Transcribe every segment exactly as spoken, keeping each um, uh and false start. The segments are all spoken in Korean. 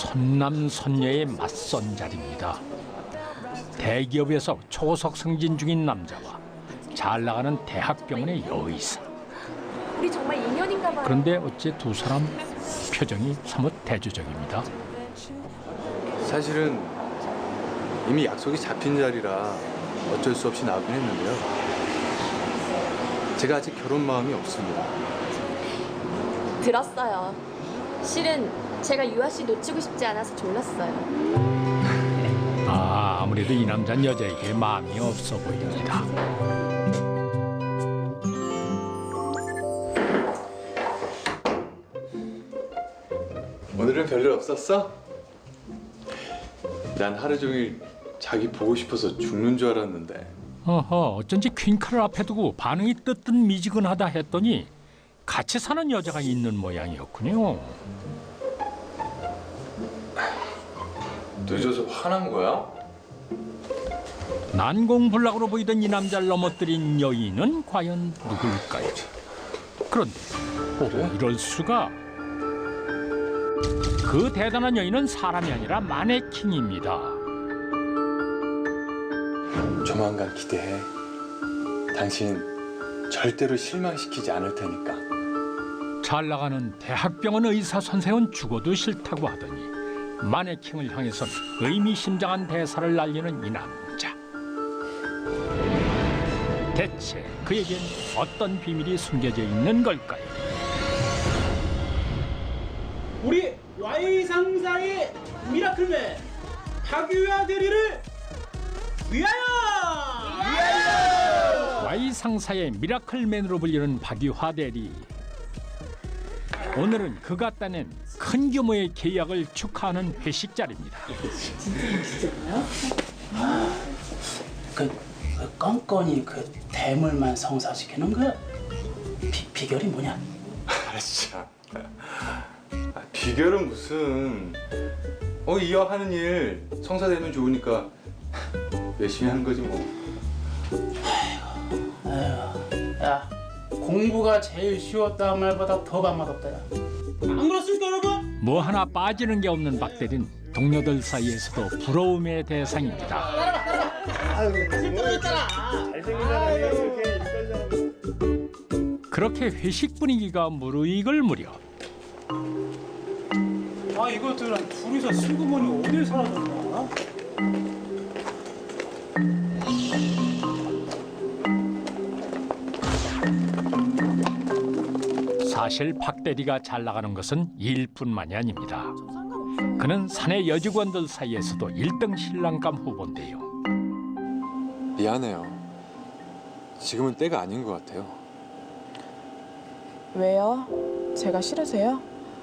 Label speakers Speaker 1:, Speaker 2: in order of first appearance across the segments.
Speaker 1: 선남선녀의 맞선 자리입니다. 대기업에서 초석 승진 중인 남자와 잘 나가는 대학병원의 여의사.
Speaker 2: 우리 정말 인연인가 봐요.
Speaker 1: 그런데 어째 두 사람 표정이 사뭇 대조적입니다.
Speaker 3: 사실은 이미 약속이 잡힌 자리라 어쩔 수 없이 나오긴 했는데요. 제가 아직 결혼 마음이 없습니다.
Speaker 2: 들었어요. 실은 제가 유아 씨 놓치고 싶지 않아서 졸랐어요.
Speaker 1: 아, 아무래도 이 남자는 여자에게 마음이 없어 보입니다.
Speaker 3: 오늘은 별일 없었어? 난 하루 종일 자기 보고 싶어서 죽는 줄 알았는데.
Speaker 1: 어허, 어쩐지 퀸카를 앞에 두고 반응이 뜨뜻미지근하다 했더니 같이 사는 여자가 있는 모양이었군요.
Speaker 3: 늦어서 화난 거야?
Speaker 1: 난공불락으로 보이던 이 남자를 넘어뜨린 여인은 과연 누굴까요? 그런데 오, 이럴 수가. 그 대단한 여인은 사람이 아니라 마네킹입니다.
Speaker 3: 조만간 기대해. 당신 절대로 실망시키지 않을 테니까.
Speaker 1: 잘 나가는 대학병원 의사 선생은 죽어도 싫다고 하더니 마네킹을 향해선 의미심장한 대사를 날리는 이 남자. 대체 그에겐 어떤 비밀이 숨겨져 있는 걸까요?
Speaker 4: 우리 Y 상사의 미라클맨 박유아 대리를 위하여! 위하여!
Speaker 1: Y 상사의 미라클맨으로 불리는 박유화 대리. 오늘은 그가 따낸 큰 규모의 계약을 축하하는 회식 자리입니다.
Speaker 4: 그, 그 껌껌이 그 대물만 성사시키는 그 비, 비결이 뭐냐?
Speaker 3: 아, 진짜. 아, 비결은 무슨. 어, 이왕 하는 일 성사되면 좋으니까 열심히 하는 거지 뭐.
Speaker 4: 아이고, 야, 공부가 제일 쉬웠다는 말보다 더 밥맛없다, 야. 안 그렇습니까, 여러분?
Speaker 1: 뭐 하나 빠지는 게 없는 박 대리는 동료들 사이에서도 부러움의 대상입니다. 그렇게 회식 분위기가 무르익을 무렵
Speaker 4: 아, 이것들은 둘이서 슬그머니 어딜 사라졌나?
Speaker 1: 사실 박 대리가 잘 나가는 것은 일뿐만이 아닙니다. 그는 사내 여직원들 사이에서도 일 등 신랑감 후보인데요.
Speaker 3: 미안해요. 지금은 때가 아닌 것 같아요.
Speaker 5: 왜요? 제가 싫으세요?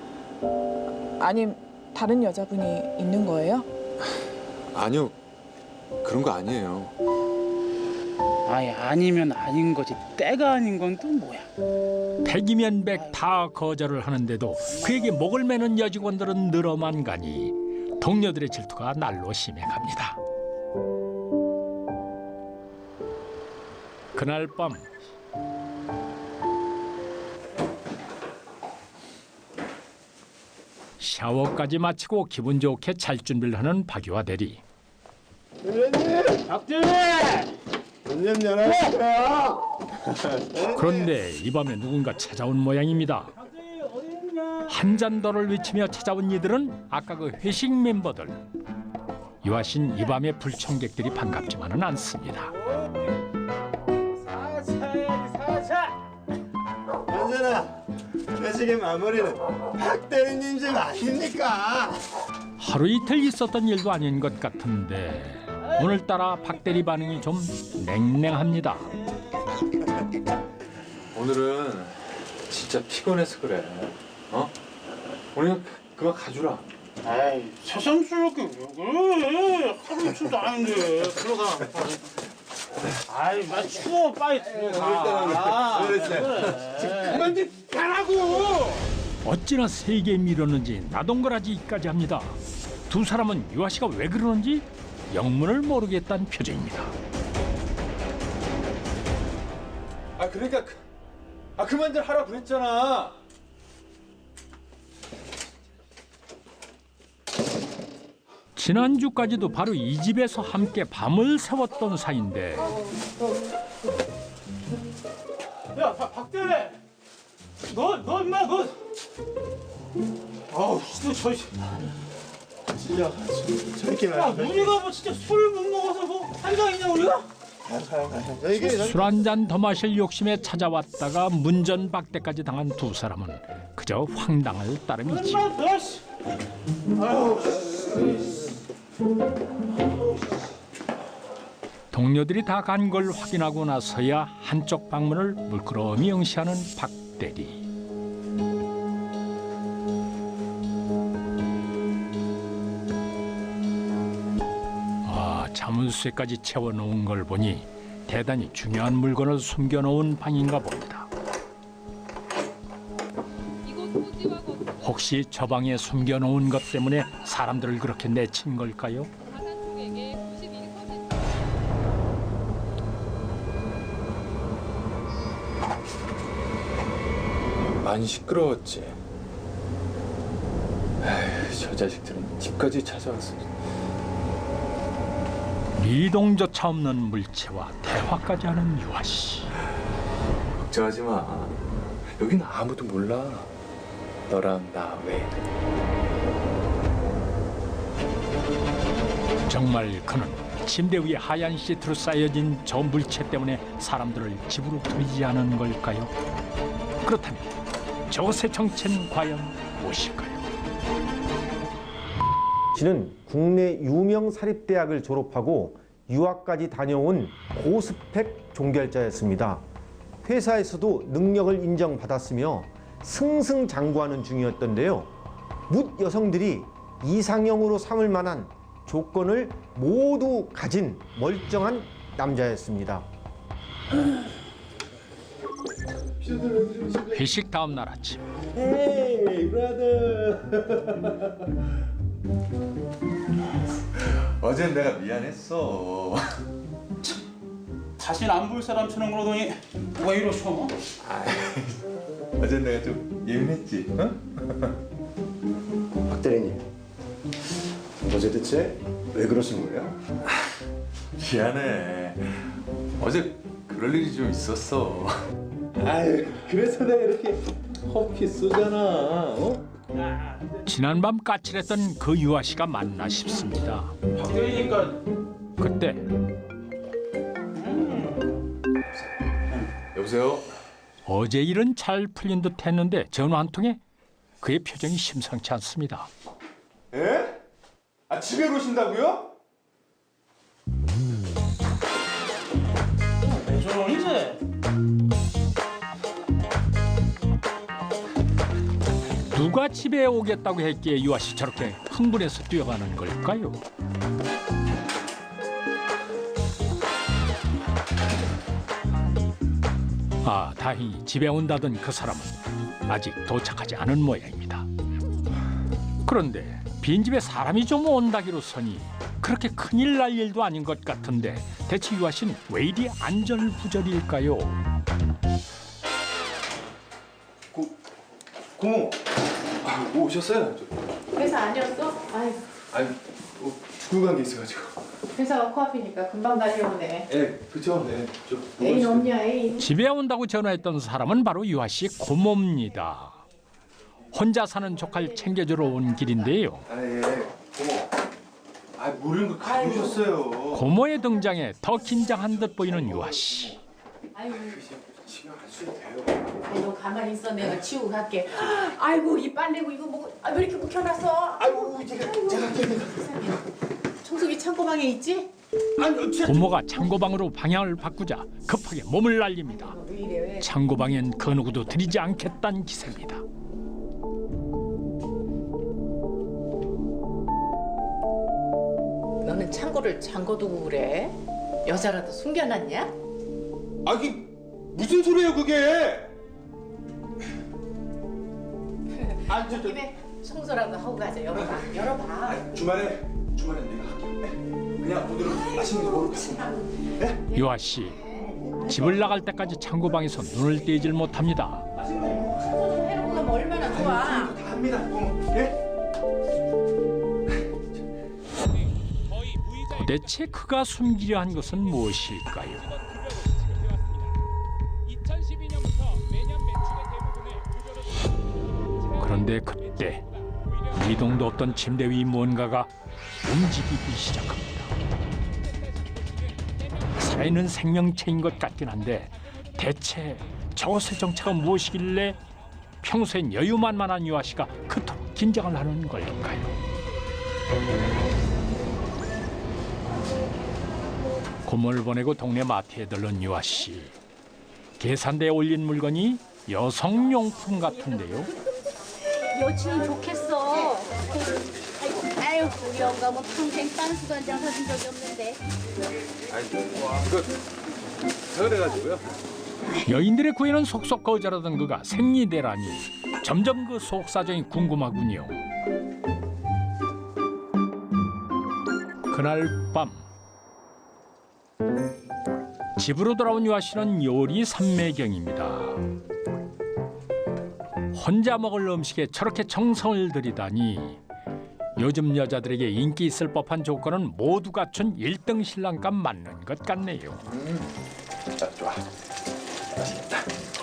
Speaker 5: 아님 다른 여자분이 있는 거예요?
Speaker 3: 아니요. 그런 거 아니에요.
Speaker 4: 아니, 아니면 아닌 거지. 때가 아닌 건 또 뭐야?
Speaker 1: 백이면 백 다 거절을 하는데도 그에게 목을 매는 여직원들은 늘어만 가니 동료들의 질투가 날로 심해갑니다. 그날 밤 샤워까지 마치고 기분 좋게 잘 준비를 하는 박유화 대리.
Speaker 4: 박대리!
Speaker 6: 문좀 열어주세요.
Speaker 1: 그런데 이 밤에 누군가 찾아온 모양입니다. 한 잔 더를 외치며 찾아온 이들은 아까 그 회식 멤버들. 유아 씨는 이 밤에 불청객들이 반갑지만은 않습니다.
Speaker 4: 사차야지, 사차!
Speaker 6: 현진아, 회식의 마무리는 박 대리님 집 아닙니까?
Speaker 1: 하루 이틀 있었던 일도 아닌 것 같은데 오늘따라 박 대리 반응이 좀 냉랭합니다.
Speaker 3: 오늘은 진짜 피곤해서 그래. 어? 오늘 그만 가주라.
Speaker 4: 아이, 새삼스럽게 왜 그래? 하루 이틀도 아닌데. 들어가. 아이, 나 추워. 빨리 들어가. 그래. 그만 좀 가라고!
Speaker 1: 어찌나 세게 밀었는지 나동거라지까지 합니다. 두 사람은 유아 씨가 왜 그러는지 영문을 모르겠다는 표정입니다.
Speaker 3: 아, 그러니까 그, 아 그만들 하라 그랬잖아.
Speaker 1: 지난주까지도 바로 이 집에서 함께 밤을 새웠던 사이인데
Speaker 4: 야, 박- 박대래. 너, 너 임마 너. 아우, 너 저.
Speaker 6: 찔려가지고 저렇게
Speaker 4: 야,
Speaker 6: 말해.
Speaker 4: 우리가 뭐 진짜 술을 못 먹어서 뭐 한장이냐 우리가?
Speaker 6: 이게
Speaker 1: 술 한 잔 더 마실 욕심에 찾아왔다가 문전박대까지 당한 두 사람은 그저 황당할 따름이지.
Speaker 4: 임마 너 씨. 아유.
Speaker 1: 동료들이 다 간 걸 확인하고 나서야 한쪽 방문을 물끄러미 응시하는 박 대리. 아, 자물쇠까지 채워놓은 걸 보니 대단히 중요한 물건을 숨겨놓은 방인가 봅니다. 혹시 저 방에 숨겨놓은 것 때문에 사람들을 그렇게 내친 걸까요?
Speaker 3: 많이 시끄러웠지. 에휴, 저 자식들은 집까지 찾아왔어.
Speaker 1: 미동조차 없는 물체와 대화까지 하는 유아 씨.
Speaker 3: 걱정하지 마. 여긴 아무도 몰라. 너랑 나 외에.
Speaker 1: 정말 그는 침대 위에 하얀 시트로 쌓여진 저 물체 때문에 사람들을 집으로 들이지 않은 걸까요? 그렇다면 저것의 정체는 과연 무엇일까요?
Speaker 7: 씨는 국내 유명 사립대학을 졸업하고 유학까지 다녀온 고스펙 종결자였습니다. 회사에서도 능력을 인정받았으며 승승장구하는 중이었던데요. 묻 여성들이 이상형으로 삼을 만한 조건을 모두 가진 멀쩡한 남자였습니다.
Speaker 1: 회식 다음 날 아침
Speaker 6: 헤이 브라더.
Speaker 3: 어젠 내가 미안했어.
Speaker 4: 다신 안 볼 사람처럼 그러더니 왜 이러셔?
Speaker 3: 어젠 내가 좀 예민했지. 어?
Speaker 6: 박 대리님, 어제 대체 왜 그러신 거예요?
Speaker 3: 미안해. 어제 그럴 일이 좀 있었어.
Speaker 6: 아유, 그래서 내가 이렇게 커피 쏘잖아. 어?
Speaker 1: 지난밤 까칠했던 그 유아 씨가 맞나 싶습니다.
Speaker 4: 박대리니까
Speaker 1: 그때
Speaker 3: 여보세요?
Speaker 1: 어제 일은 잘 풀린 듯 했는데 전화 한 통에 그의 표정이 심상치 않습니다.
Speaker 3: 에? 아 집에 오신다고요?
Speaker 4: 왜 저러니 이제?
Speaker 1: 누가 집에 오겠다고 했기에 유아 씨 저렇게 흥분해서 뛰어가는 걸까요? 아, 다행히 집에 온다던 그 사람은 아직 도착하지 않은 모양입니다. 그런데 빈집에 사람이 좀 온다기로서니 그렇게 큰일 날 일도 아닌 것 같은데 대체 유아 씨는 왜 이리 안절부절일까요?
Speaker 3: 고모. 아, 뭐 오셨어요? 저,
Speaker 2: 회사 아니었어? 아이,
Speaker 3: 아니 뭐, 죽은 관계 있어가지고.
Speaker 2: 회사가 코앞이니까 금방 달려오네.
Speaker 3: 예, 그쵸. 네. 저,
Speaker 2: 애인 없냐, 애인?
Speaker 1: 집에 온다고 전화했던 사람은 바로 유아 씨 고모입니다. 혼자 사는 조카를 챙겨주러 온 길인데요.
Speaker 3: 아 예. 고모. 아 모르는 거 가져오셨어요.
Speaker 1: 고모의 등장에 더 긴장한 듯 보이는 유아 씨.
Speaker 2: 아이고,
Speaker 3: 신경 안 써도 돼요.
Speaker 2: 아이, 너 가만히 있어. 내가 치우고 갈게. 아이고, 이 빨래고 이거 뭐, 아, 왜 이렇게 묵혀놨어?
Speaker 3: 아이고 제가 제가 제가.
Speaker 2: 청소기 창고방에 있지?
Speaker 1: 고모가 창고방으로 방향을 바꾸자 급하게 몸을 날립니다.
Speaker 2: 왜 이래, 왜?
Speaker 1: 창고방엔 그 누구도 들이지 않겠다는 기세입니다.
Speaker 2: 너는 창고를 잠궈두고 그래? 여자라도 숨겨놨냐?
Speaker 3: 아 이게 무슨 소리예요 그게? 아 저, 저,
Speaker 2: 집에 청소라도 하고 가자. 열어봐, 열어봐.
Speaker 3: 아, 주말에 주말에 내가 할게요. 네? 그냥 오늘은 맛있는 거 먹으러 가고.
Speaker 1: 유아 씨 집을 나갈 때까지 창고방에서 눈을 떼질 못합니다.
Speaker 2: 청소 해놓고 가면 얼마나 좋아.
Speaker 3: 다 합니다. 고모. 예?
Speaker 1: 도대체 그가 숨기려 한 것은 무엇일까요? 그런데 그때 미동도 없던 침대 위 무언가가 움직이기 시작합니다. 살아있는 생명체인 것 같긴 한데 대체 저것의 정체가 무엇이길래 평소엔 여유만만한 유아 씨가 그토록 긴장을 하는 걸까요? 고모를 보내고 동네 마트에 들른 유아 씨. 계산대에 올린 물건이 여성용품 같은데요.
Speaker 8: 여친이 좋겠어. 아유, 우리 영감은 평생 딴수도 한 장 사준 적이 없는데.
Speaker 3: 아니 이거 서울해가지고요.
Speaker 1: 여인들의 구애는 속속 거절하던 그가 생리대라니 점점 그 속 사정이 궁금하군요. 그날 밤 집으로 돌아온 유아 씨는 요리 삼매경입니다. 혼자 먹을 음식에 저렇게 정성을 들이다니 요즘 여자들에게 인기 있을 법한 조건은 모두 갖춘 일 등 신랑감 맞는 것 같네요.
Speaker 3: 자, 좋아. 맛있겠다.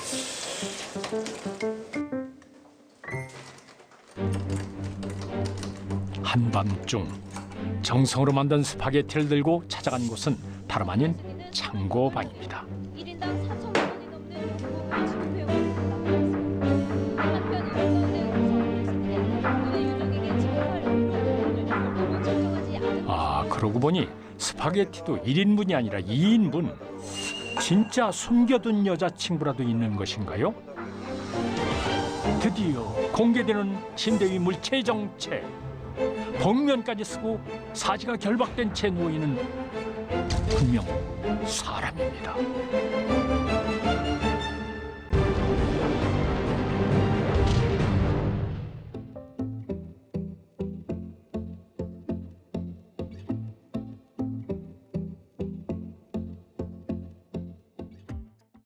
Speaker 1: 한밤중 정성으로 만든 스파게티를 들고 찾아간 곳은 다름 아닌 창고방입니다.
Speaker 8: 일 인당 사천만 원이 넘는 요금을 지급해오고 있습니다. 한편 오늘 유족에게 지급할 요금을 너무 책정하지 않은
Speaker 1: 아, 그러고 보니 스파게티도 일 인분이 아니라 이 인분. 진짜 숨겨둔 여자친구라도 있는 것인가요? 드디어 공개되는 침대 위 물체 정체. 복면까지 쓰고 사지가 결박된 채 누워있는 분명 사람입니다.